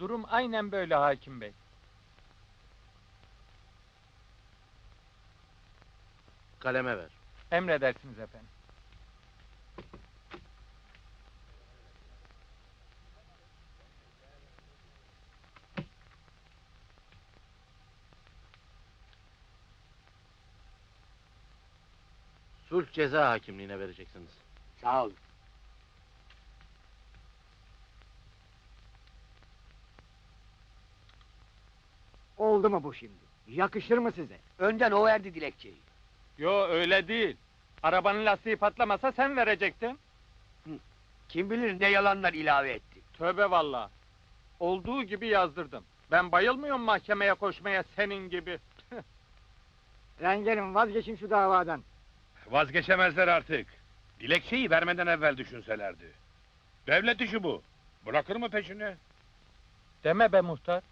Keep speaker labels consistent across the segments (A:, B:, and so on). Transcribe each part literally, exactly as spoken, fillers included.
A: Durum aynen böyle hakim bey.
B: Kaleme ver.
A: Emredersiniz efendim.
B: Sulh ceza hakimliğine vereceksiniz.
C: Sağ olun.
D: Oldu mu bu şimdi? Yakışır mı size?
C: Önden o verdi dilekçeyi.
A: Yo öyle değil. Arabanın lastiği patlamasa sen verecektin.
C: Kim bilir ne yalanlar ilave etti.
A: Tövbe vallahi. Olduğu gibi yazdırdım. Ben bayılmıyorum mahkemeye koşmaya senin gibi.
D: Rengelim vazgeçin şu davadan.
E: Vazgeçemezler artık. Dilekçeyi vermeden evvel düşünselerdi. Devlet işi bu. Bırakır mı peşini?
A: Deme be muhtar.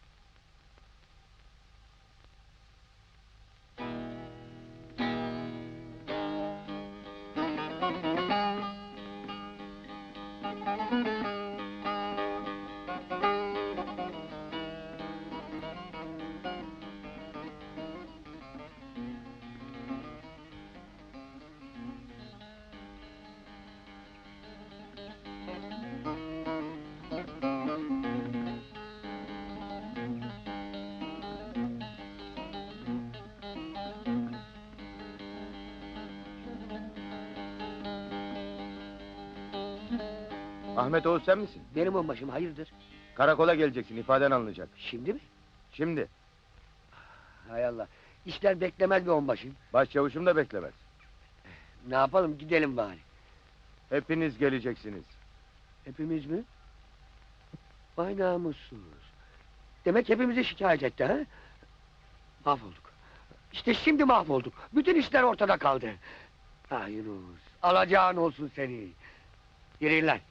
F: Ahmet Oğuz sen misin?
C: Benim onbaşım hayırdır?
F: Karakola geleceksin, ifaden alınacak.
C: Şimdi mi?
F: Şimdi,
C: Hay Allah. İşler beklemez mi onbaşım?
F: başçavuşum da beklemez.
C: Ne yapalım gidelim bari.
F: Hepiniz geleceksiniz.
C: Hepimiz mi? Vay namussuz. Demek hepimizi şikayet etti ha? Mahvolduk. İşte şimdi mahvolduk. Bütün işler ortada kaldı. Ah Yunus, alacağın olsun seni. Yürüyün lan.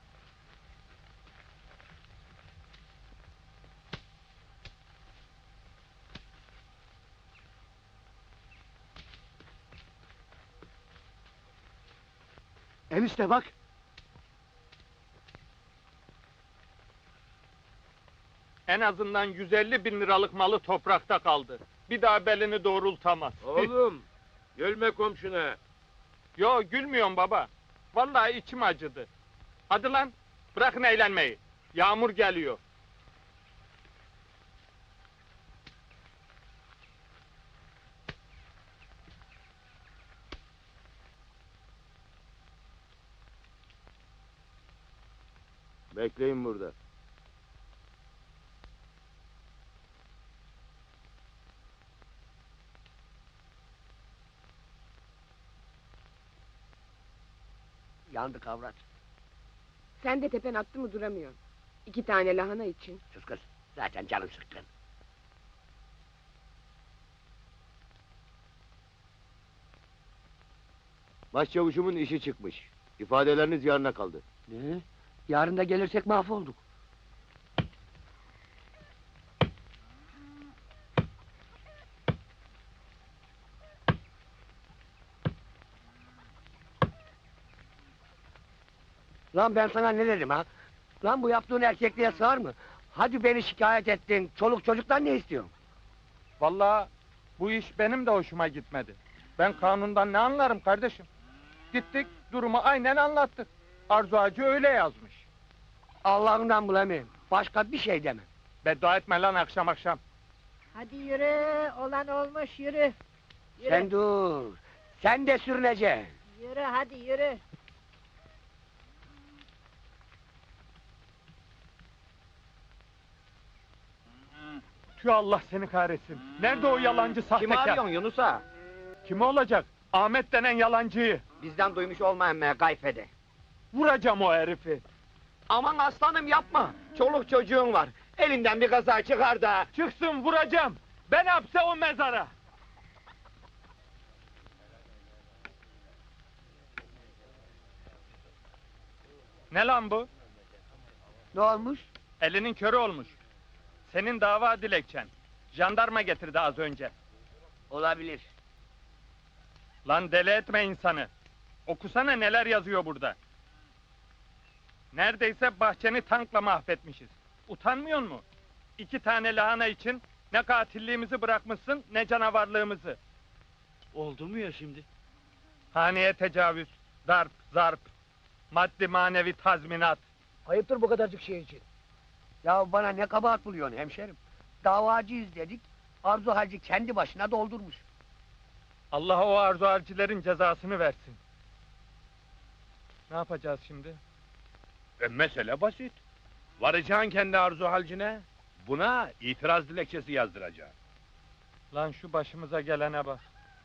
D: Enişte bak.
A: En azından yüz elli bin liralık malı toprakta kaldı. Bir daha belini doğrultamaz.
B: Oğlum, gülme komşuna.
A: Yo gülmüyorum baba. Vallahi içim acıdı. Hadi lan bırakın eğlenmeyi. Yağmur geliyor.
F: Bekleyin burada.
C: Yandık avrat.
G: Sen de tepen attı mı duramıyorsun. İki tane lahana için.
C: Sus kız. Zaten canım sıkkın.
F: Başçavuşumun işi çıkmış. İfadeleriniz yarına kaldı.
C: Ne? Yarın da gelirsek mahvolduk. Lan ben sana ne dedim ha? Lan bu yaptığın erkekliğe sığar mı? Hadi beni şikayet ettin. Çoluk çocuktan ne istiyorsun?
A: Vallahi bu iş benim de hoşuma gitmedi. Ben kanundan ne anlarım kardeşim? Gittik durumu aynen anlattık. Arzu Hacı öyle yazmış.
C: Allah'ından bulamayayım. Başka bir şey demem.
A: Beddua etme lan akşam akşam.
H: Hadi yürü, olan olmuş yürü. Yürü,
C: Sen dur. Sen de sürüneceksin.
H: yürü hadi yürü.
A: Tüh Allah seni kahretsin. Nerede o yalancı sahtekar?
D: Yunus'a?
A: Kim olacak? Ahmet denen yalancıyı.
D: Bizden duymuş olmayan me gayfede.
A: Vuracağım o herifi.
D: Aman aslanım yapma. Çoluk çocuğun var. Elinden bir kaza çıkar da.
A: Çıksın vuracağım. Ben hapse o mezara. Ne lan bu?
C: Ne olmuş?
A: Elinin körü olmuş. Senin dava dilekçen. Jandarma getirdi az önce.
C: Olabilir.
A: Lan deli etme insanı. Okusana neler yazıyor burada. Neredeyse bahçeni tankla mahvetmişiz. Utanmıyor mu? İki tane lahana için ne katilliğimizi bırakmışsın ne canavarlığımızı.
B: Oldu mu ya şimdi?
A: Haneye tecavüz, darp, zarp, maddi manevi tazminat.
H: Ayıptır bu kadarcık şey için.
C: Ya bana ne kabahat buluyorsun hemşerim? Davacıyız dedik, Arzu Hacı kendi başına doldurmuş.
A: Allah o arzu harcilerin cezasını versin. Ne yapacağız şimdi?
E: E, mesele basit. Varacaksın kendi arzu halcine. Buna itiraz dilekçesi yazdıracaksın.
A: Lan şu başımıza gelene bak.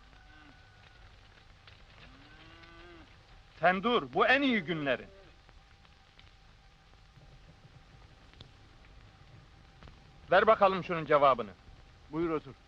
A: Sen dur, bu en iyi günlerin. Ver bakalım şunun cevabını.
F: Buyur otur.